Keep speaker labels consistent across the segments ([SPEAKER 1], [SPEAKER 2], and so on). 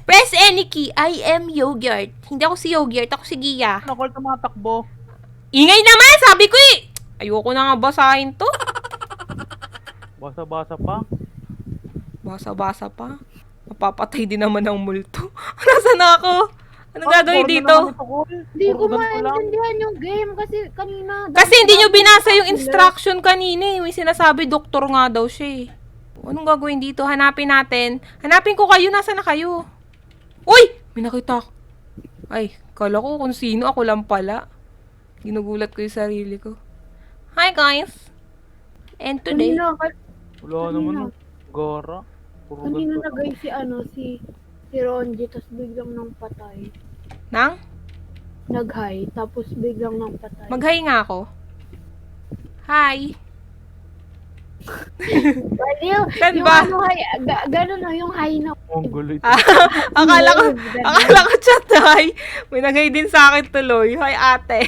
[SPEAKER 1] Press any key. I am Yogurt. Hindi ako si Yogurt. Ako si Gia.
[SPEAKER 2] Ano, call tumatakbo?
[SPEAKER 1] Ingay naman! Sabi ko eh! Ayoko na nga basahin to.
[SPEAKER 2] Basa-basa pa.
[SPEAKER 1] Basa-basa pa. Mapapatay din naman ng multo. Nasaan na ako? Ano gagawin dito?
[SPEAKER 3] Hindi ko maintindihan yung game kasi kanina...
[SPEAKER 1] Kasi hindi nyo binasa yung instruction kanina eh. May sinasabi doktor nga daw siya eh. Anong gagawin dito? Hanapin natin. Hanapin ko kayo. Nasaan na kayo? Uy! May nakita ako. Ay, kala ko kung sino. Ako lang pala. Ginugulat ko yung sarili ko. Hi guys! And today...
[SPEAKER 2] Wala naman. Gara.
[SPEAKER 3] Kanina nagay si Ronji, tapos biglang nang patay.
[SPEAKER 1] Nang?
[SPEAKER 3] Nag-hi, tapos biglang nang patay.
[SPEAKER 1] Mag-hi nga ako. Hi!
[SPEAKER 3] Baliw!
[SPEAKER 1] Saan
[SPEAKER 3] Yung
[SPEAKER 1] ba?
[SPEAKER 3] ano, hi, gano'n na yung hi na.
[SPEAKER 2] Ang gulo ito.
[SPEAKER 1] Akala ko chat hi. May nagay din sa akin tuloy. Hi ate.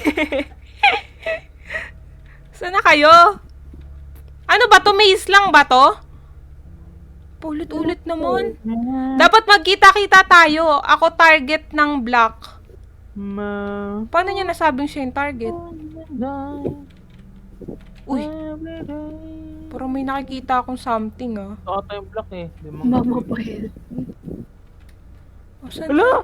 [SPEAKER 1] Saan na kayo? Ano ba to? Maze lang ba to? Ulit-ulit naman. Dapat magkita-kita tayo. Ako target ng black. Paano niya nasabing siya yung target? Uy. Parang may nakikita akong something ah.
[SPEAKER 2] Ito yung block eh.
[SPEAKER 3] Mama pa yun.
[SPEAKER 1] Saan?
[SPEAKER 2] Hala!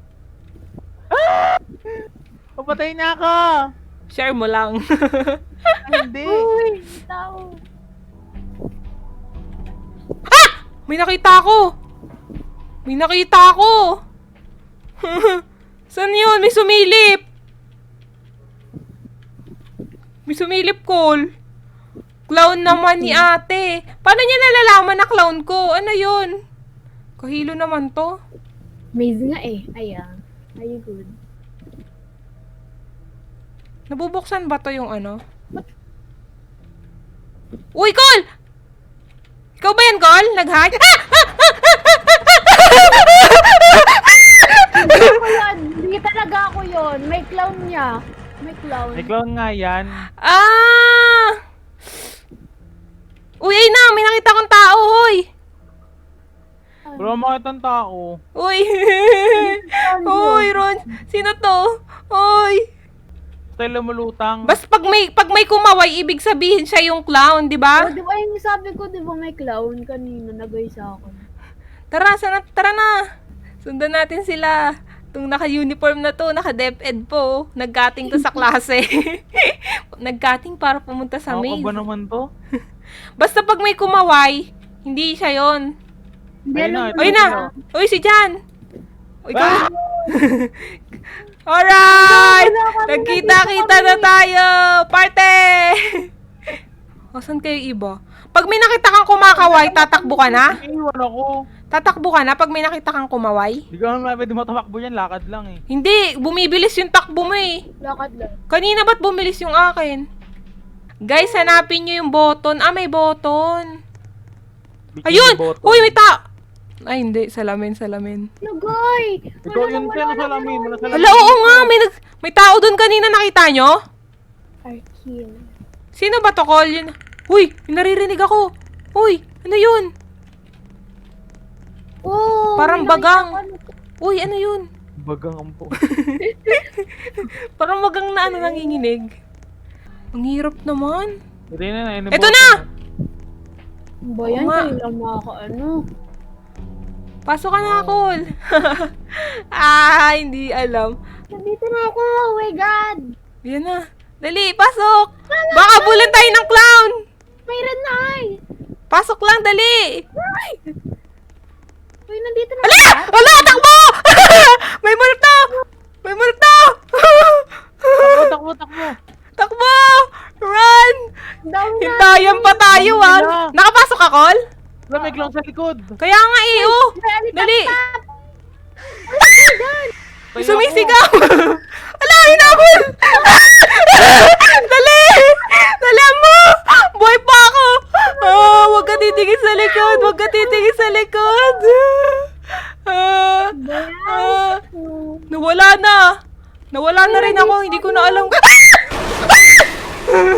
[SPEAKER 2] Papatay na ako!
[SPEAKER 1] Share mo lang.
[SPEAKER 2] Hindi!
[SPEAKER 3] Uy, tao.
[SPEAKER 1] May nakita ako! May nakita ako! Saan yun? May sumilip! May sumilip, Cole. Clown naman ni ate. Paano niya nalalaman na clown ko? Ano yun? Kahilo naman to.
[SPEAKER 3] Maze nga eh. Ayan. Are you good?
[SPEAKER 1] Nabubuksan ba to yung ano? Uy, Cole! Ikaw ba yan, Cole? Nag-hack?
[SPEAKER 3] Hindi ko yan. Hindi talaga ako yun. May clown niya. May clown.
[SPEAKER 2] May clown nga yan.
[SPEAKER 1] Ah! Uy, ay na! May nakita kong tao, hoy!
[SPEAKER 2] Wala makita ng tao.
[SPEAKER 1] Uy! Uy, Ron! Sino to? Uy!
[SPEAKER 2] Tayo lumulutang.
[SPEAKER 1] Bas pag may kumaway, ibig sabihin siya yung clown, di ba?
[SPEAKER 3] Oh, di ba yung sabi ko, di ba may clown kanina nagay sa akin?
[SPEAKER 1] Tara na. Sundan natin sila. Itong naka-uniform na to, naka-DepEd po. Nag-cutting to sa klase. Nag-cutting para pumunta sa maze.
[SPEAKER 2] Ako ba naman to?
[SPEAKER 1] Basta pag may kumaway, hindi siya yon.
[SPEAKER 3] Hindi
[SPEAKER 2] Ayun
[SPEAKER 3] alam
[SPEAKER 2] na,
[SPEAKER 3] ko
[SPEAKER 1] Uy
[SPEAKER 2] ito
[SPEAKER 1] na! Uy, si Jan! Uy, ka! Alright! Nagkita-kita na tayo! Parte! O, saan kayo iba? Pag may nakita kang kumakaway, tatakbo ka na?
[SPEAKER 2] Iwan ako.
[SPEAKER 1] Tatakbo ka na pag may nakita kang kumaway?
[SPEAKER 2] Hindi ka naman pwede matamakbo yan. Lakad lang eh.
[SPEAKER 1] Hindi, bumibilis yung takbo mo eh.
[SPEAKER 3] Lakad lang.
[SPEAKER 1] Kanina ba't bumilis yung akin? Guys, hanapin nyo yung button. Ah, may button. Ayun! Uy, may Ay, hindi. Salamin.
[SPEAKER 3] Nagay!
[SPEAKER 2] Ikaw yun siya, nasa lamin.
[SPEAKER 1] Hala, oo nga. May tao doon kanina. Nakita nyo?
[SPEAKER 3] Arkin.
[SPEAKER 1] Sino ba to, Cole? Yun. Uy, may naririnig ako. Uy, ano yun?
[SPEAKER 3] Oh,
[SPEAKER 1] Parang
[SPEAKER 3] may
[SPEAKER 1] bagang.
[SPEAKER 3] nakita
[SPEAKER 1] Uy, ano yun?
[SPEAKER 2] Bagang ampo.
[SPEAKER 1] Parang wagang na ano nanginginig. Ang hirap naman.
[SPEAKER 2] Hindi na.
[SPEAKER 1] Eto na!
[SPEAKER 3] Ano ba yan?
[SPEAKER 1] Oo nga.
[SPEAKER 3] Kayo lang makakaano.
[SPEAKER 1] Pasok ka na, Cole. Hindi alam.
[SPEAKER 3] Nandito na ako! Oh my God!
[SPEAKER 1] Yan na. Dali, pasok! Baka bulan tayo ng clown!
[SPEAKER 3] Mayroon na ay!
[SPEAKER 1] Pasok lang, dali!
[SPEAKER 3] Uy, nandito na
[SPEAKER 1] Ala! Ala! Takbo! May multo! May multo!
[SPEAKER 2] Takbo.
[SPEAKER 1] Takbo! Run!
[SPEAKER 3] Down na!
[SPEAKER 1] Hintayan pa tayo, ah!
[SPEAKER 2] Wala.
[SPEAKER 1] Nakapasok ka, Col?
[SPEAKER 2] Wala, may clown sa likod.
[SPEAKER 1] Kaya nga, oh! Dali!
[SPEAKER 2] Tayo
[SPEAKER 1] Sumisigaw! Ala, hinabol! Dali! Dali mo! Buhay pa ako! Huwag ka titingin sa likod! Huwag ka titingin sa likod! Nawala na! Nawala na rin ako! Hindi ko na alam.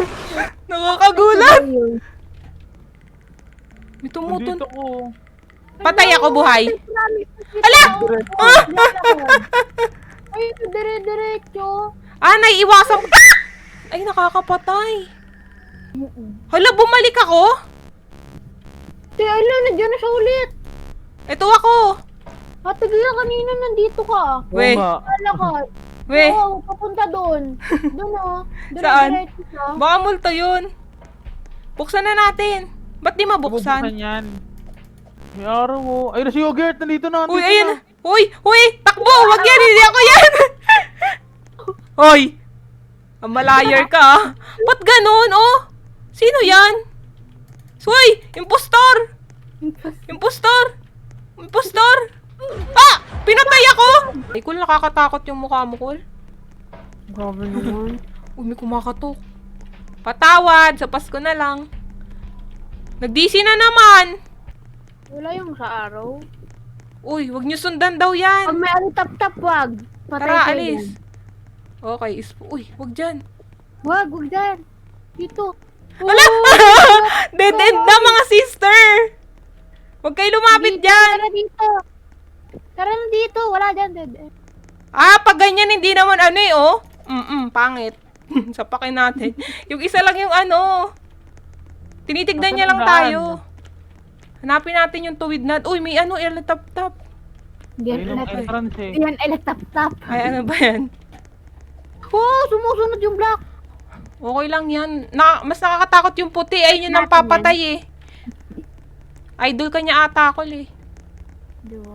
[SPEAKER 1] Nakakagulat! May tumutun.
[SPEAKER 2] Nandito ko.
[SPEAKER 1] Patay ako, buhay.
[SPEAKER 3] Ala!
[SPEAKER 1] Ala!
[SPEAKER 3] Ay, dire-diretso.
[SPEAKER 1] Ah, naiiwasan. Ay, nakakapatay. Hala, bumalik ako?
[SPEAKER 3] Te, ala, nandiyan na siya ulit.
[SPEAKER 1] Ito ako.
[SPEAKER 3] Ate Gaya, kanina nandito ka.
[SPEAKER 1] We.
[SPEAKER 2] Oo nga.
[SPEAKER 3] Lalakad.
[SPEAKER 1] We,
[SPEAKER 3] Oo, papunta doon. Doon oh.
[SPEAKER 1] Saan?
[SPEAKER 3] Dire-diretso siya.
[SPEAKER 1] baka multo yun. Buksan na natin. Ba't di
[SPEAKER 2] Bubuksan
[SPEAKER 1] mabuksan?
[SPEAKER 2] yan. May araw mo. Ayun na si Yogurt, nandito na.
[SPEAKER 1] Uy,
[SPEAKER 2] nandito
[SPEAKER 1] ayun.
[SPEAKER 2] na.
[SPEAKER 1] Uy, takbo. Wag yan, hindi ako yan. Hoy. Ang malayar ka, ah. Ba't ganun, oh? Sino yan? Uy, impostor. Impostor. Impostor. Ah! Pinatay ako. Ay, Kul, nakakatakot yung mukha mo, Kul.
[SPEAKER 3] Grabe naman.
[SPEAKER 1] Uy, may kumakatok. Patawad, sa Pasko na lang. Nag-DC na naman.
[SPEAKER 3] Wala yung sa araw.
[SPEAKER 1] Uy, wag niyo sundan daw
[SPEAKER 3] Pag
[SPEAKER 1] yan.
[SPEAKER 3] may alitap-tap, wag. Patay
[SPEAKER 1] Tara,
[SPEAKER 3] kayo
[SPEAKER 1] alis.
[SPEAKER 3] dyan.
[SPEAKER 1] Okay, uy, wag dyan.
[SPEAKER 3] Wag dyan. Dito.
[SPEAKER 1] Wala! Dead end na, mga sister! Huwag kayo lumapit dyan!
[SPEAKER 3] Tara dito. Tara na dito. Wala dyan. Dead end.
[SPEAKER 1] Ah, pag ganyan, hindi naman ano eh, oh. Pangit. Sapakin natin. Yung isa lang yung ano. Tinitignan niya lang
[SPEAKER 2] Nasaan ang
[SPEAKER 1] tayo. Hanapin natin yung tuwid na. Uy, may ano, tap-tap.
[SPEAKER 3] Diyan
[SPEAKER 2] Ayun ang
[SPEAKER 3] alitap.
[SPEAKER 2] entrance eh.
[SPEAKER 3] Diyan alitap-tap.
[SPEAKER 1] Ay, ano ba yan?
[SPEAKER 3] Oh, sumusunod yung black.
[SPEAKER 1] Okay lang yan. Mas nakakatakot yung puti. Ayun yung
[SPEAKER 3] Natin
[SPEAKER 1] nampapatay eh. Idol ka niya ata, Kol eh.
[SPEAKER 3] Diba?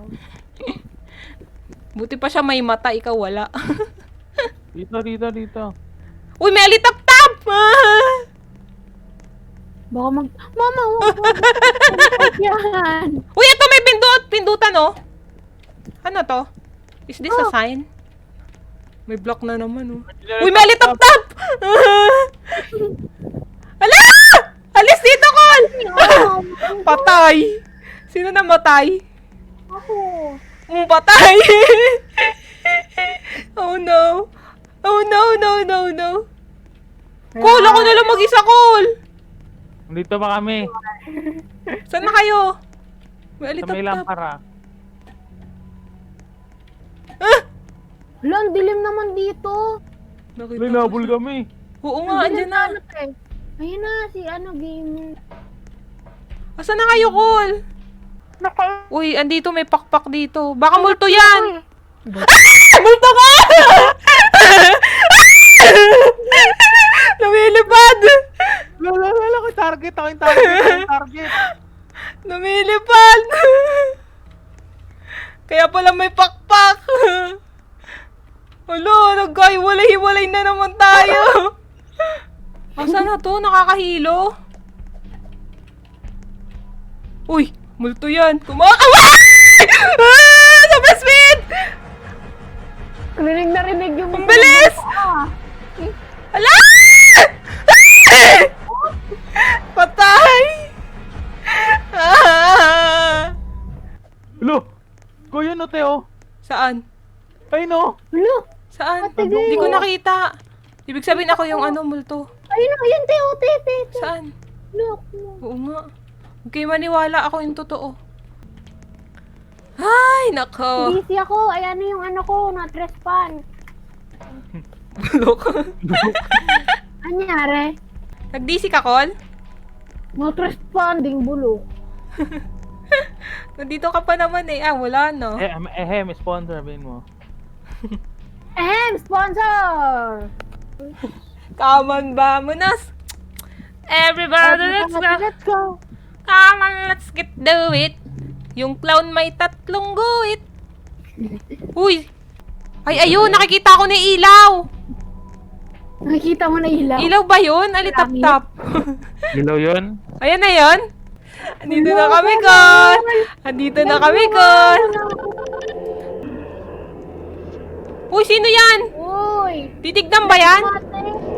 [SPEAKER 1] Buti pa siya may mata, ikaw wala.
[SPEAKER 2] Dito.
[SPEAKER 1] Uy, may alitap-tap! Ah!
[SPEAKER 3] Baka Mama, wag yan.
[SPEAKER 1] Uy, ito may pindutan oh. Ano to? Is this a sign? May block na naman oh. Uy, may alitap-tap! Ala! Alis dito, Kol! Patay! Sino namatay?
[SPEAKER 3] Ako.
[SPEAKER 1] Patay! Oh no! Oh no! Kol, ako na lang mag-isa, Kol!
[SPEAKER 2] Dito pa kami.
[SPEAKER 1] Saan na kayo? May
[SPEAKER 2] Sa may
[SPEAKER 1] alitap-tap.
[SPEAKER 2] lampara.
[SPEAKER 1] Ah!
[SPEAKER 3] Hala, ang dilim naman dito.
[SPEAKER 1] Nakita
[SPEAKER 2] May
[SPEAKER 1] ko
[SPEAKER 2] nabol
[SPEAKER 1] siya.
[SPEAKER 2] kami.
[SPEAKER 1] Oo nga, andyan na.
[SPEAKER 3] Ayun na, si gamer.
[SPEAKER 1] Asan na kayo, Kol? Uy, andito may pakpak dito. Baka multo yan! Ah! Multo ka! Lumilipad!
[SPEAKER 2] Lala, ako yung target. Ako yung target.
[SPEAKER 1] Lumilipad! Kaya pala may pakpak! Alo, nagkahiwalay-hiwalay na naman tayo! Asan na to? Nakakahilo? Uy! Multo yan! Kumakaway! Ah! Sa basement!
[SPEAKER 3] Rinig na rinig yung...
[SPEAKER 1] Ang bilis!
[SPEAKER 3] Ah,
[SPEAKER 1] Ala! Patay! Ah!
[SPEAKER 2] Lo! Kuya no, Teo.
[SPEAKER 1] Saan?
[SPEAKER 2] Ay no.
[SPEAKER 3] Hala,
[SPEAKER 1] Saan?
[SPEAKER 3] Ate
[SPEAKER 1] Hindi ko
[SPEAKER 3] Gay.
[SPEAKER 1] nakita. Ibig sabihin ako yung ano, multo.
[SPEAKER 3] ayun na, ayun, te.
[SPEAKER 1] Saan?
[SPEAKER 3] Look.
[SPEAKER 1] Oo nga. Huwag kayo maniwala, ako yung totoo. Ay, nako.
[SPEAKER 3] Busy ako. Ayan na yung ano ko, na-respawn.
[SPEAKER 1] Bulok.
[SPEAKER 3] Anyari?
[SPEAKER 1] Nag-DC ka, Kol?
[SPEAKER 3] Not-respawn, ding bulok.
[SPEAKER 1] Nandito ka pa naman eh. Ah, wala no.
[SPEAKER 2] May sponsor, bin mo.
[SPEAKER 3] Sponsor!
[SPEAKER 1] Come on, vamonos. Everybody, let's go.
[SPEAKER 3] Let's go.
[SPEAKER 1] Come on, let's get do it. Yung clown may tatlong guhit. Uy! Ay, ayun, nakikita ko na ilaw.
[SPEAKER 3] Nakikita mo na ilaw.
[SPEAKER 1] Ilaw ba yun? Alitap-tap.
[SPEAKER 2] Ilaw yun?
[SPEAKER 1] Ayan na yun. Andito na kami, Kon. Andito na kami, Kon. Uy, sino yan?
[SPEAKER 3] Uy!
[SPEAKER 1] Titignan ba yan?
[SPEAKER 3] Mate.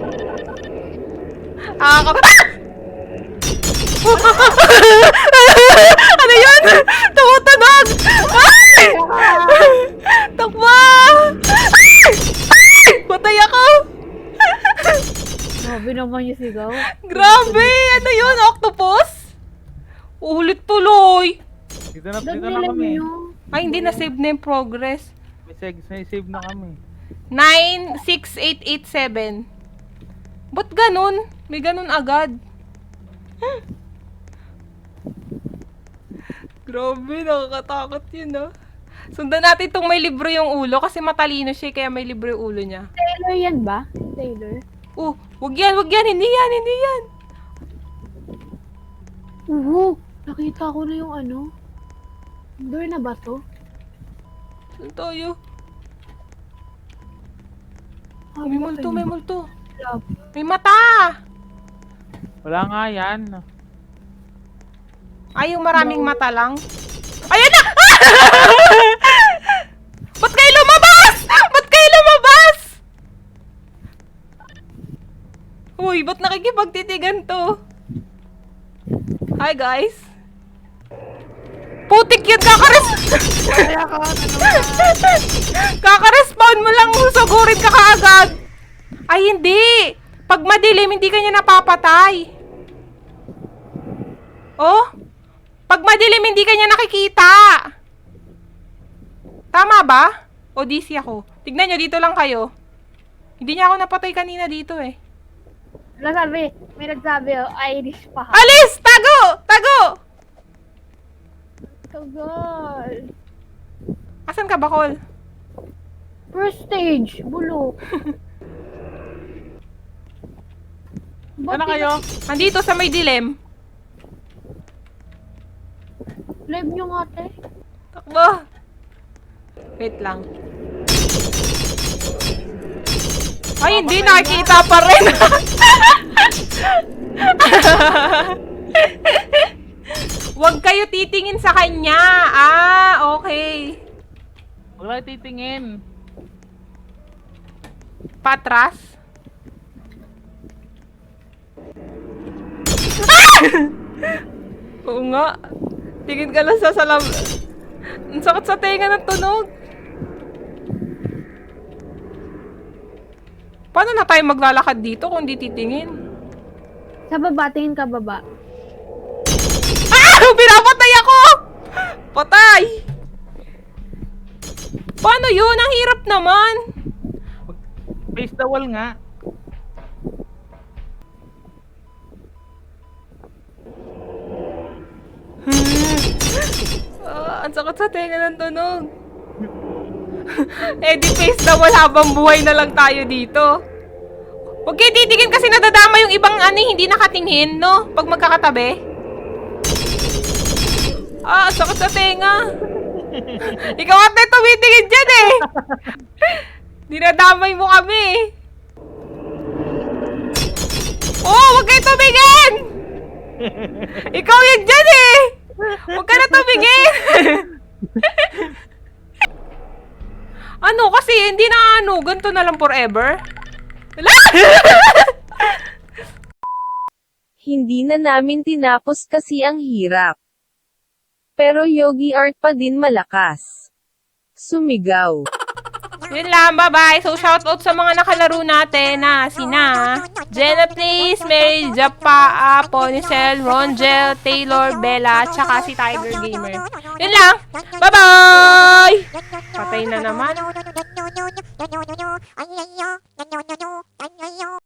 [SPEAKER 1] Ano yun? Tumutunog! Ay! Takbo! Ay! Patay ako!
[SPEAKER 3] Grabe naman yung sigaw.
[SPEAKER 1] Grabe! Ano yun? Octopus? Ulit tuloy!
[SPEAKER 2] Dito na
[SPEAKER 3] Doon
[SPEAKER 2] kami.
[SPEAKER 3] nilag nyo.
[SPEAKER 1] Ay, hindi na save na yung progress.
[SPEAKER 2] May save na kami.
[SPEAKER 1] 96887. Ba't ganun? May ganun agad. Grabe, nakakatakot yun, no? Sundan natin itong may libro yung ulo kasi matalino siya kaya may libro yung ulo niya.
[SPEAKER 3] Taylor yan ba? Taylor?
[SPEAKER 1] Oh, wag yan, hindi yan, hindi yan.
[SPEAKER 3] Oo, nakita ko na yung ano. Door na ba to?
[SPEAKER 1] Saan tayo?
[SPEAKER 3] Ah,
[SPEAKER 1] May multo, may multo.
[SPEAKER 3] Love.
[SPEAKER 1] May mata!
[SPEAKER 2] Wala nga yan.
[SPEAKER 1] Ay, yung maraming mata lang. Ayan na! Ba't kayo lumabas? Ba't kayo lumabas? Uy, ba't nakikipagtitigan to? Hi, guys. Putik yun,
[SPEAKER 2] Kaya ka,
[SPEAKER 1] Kaka-respawn mo lang, susugurin ka kaagad. Ay, hindi. Pag madilim, hindi ka niya napapatay. Oh? Pag madilim, hindi ka niya nakikita. Tama ba? O DC ako? Tignan nyo, dito lang kayo. Hindi niya ako napatay kanina dito eh.
[SPEAKER 3] Nasabi, may nagsabi, oh, Irish pa.
[SPEAKER 1] Alis! Tago! Tago!
[SPEAKER 3] Tagal.
[SPEAKER 1] Asan ka, Bakol?
[SPEAKER 3] First stage, bulok.
[SPEAKER 2] Ano kayo?
[SPEAKER 1] Andito sa may dilim.
[SPEAKER 3] Live nyo nga, te.
[SPEAKER 1] Takbo! Wait lang. Ay, hindi nakikita pa rin. Huwag kayo titingin sa kanya. Ah, okay.
[SPEAKER 2] Huwag lang titingin.
[SPEAKER 1] Patras. Ah! Oo nga. Tingin ka lang sa salam. Ang sakit sa tenga ng tunog. Paano na tayo maglalakad dito kung di titingin?
[SPEAKER 3] Sa baba, tingin ka baba.
[SPEAKER 1] Ah! Pinapatay ako! Patay! Paano yun? Ang hirap naman.
[SPEAKER 2] Face the wall nga.
[SPEAKER 1] Ang sakit sa tenga ng tunog. Eh di face na wala habang buhay na lang tayo dito. Huwag kayo titingin kasi nadadama yung ibang hindi nakatingin, no? Pag magkakatabi. Ah, ang sakit sa tenga. Ikaw ate tumitingin dyan eh. Dinadamay mo kami. Oh, huwag kayo tumingin! Ikaw yun dyan eh! Huwag ka na tumingin! Ano kasi, hindi na ganito na lang forever. Wala!
[SPEAKER 4] Hindi na namin tinapos kasi ang hirap. Pero Yogi Art pa din malakas. Sumigaw.
[SPEAKER 1] Yun lang, bye-bye. So, shoutout sa mga nakalaro natin na sina Jenna Please, Mary Japa, Ponicel, Rongel, Taylor, Bella, tsaka si Tiger Gamer. Yun lang. Bye-bye! Patay na naman.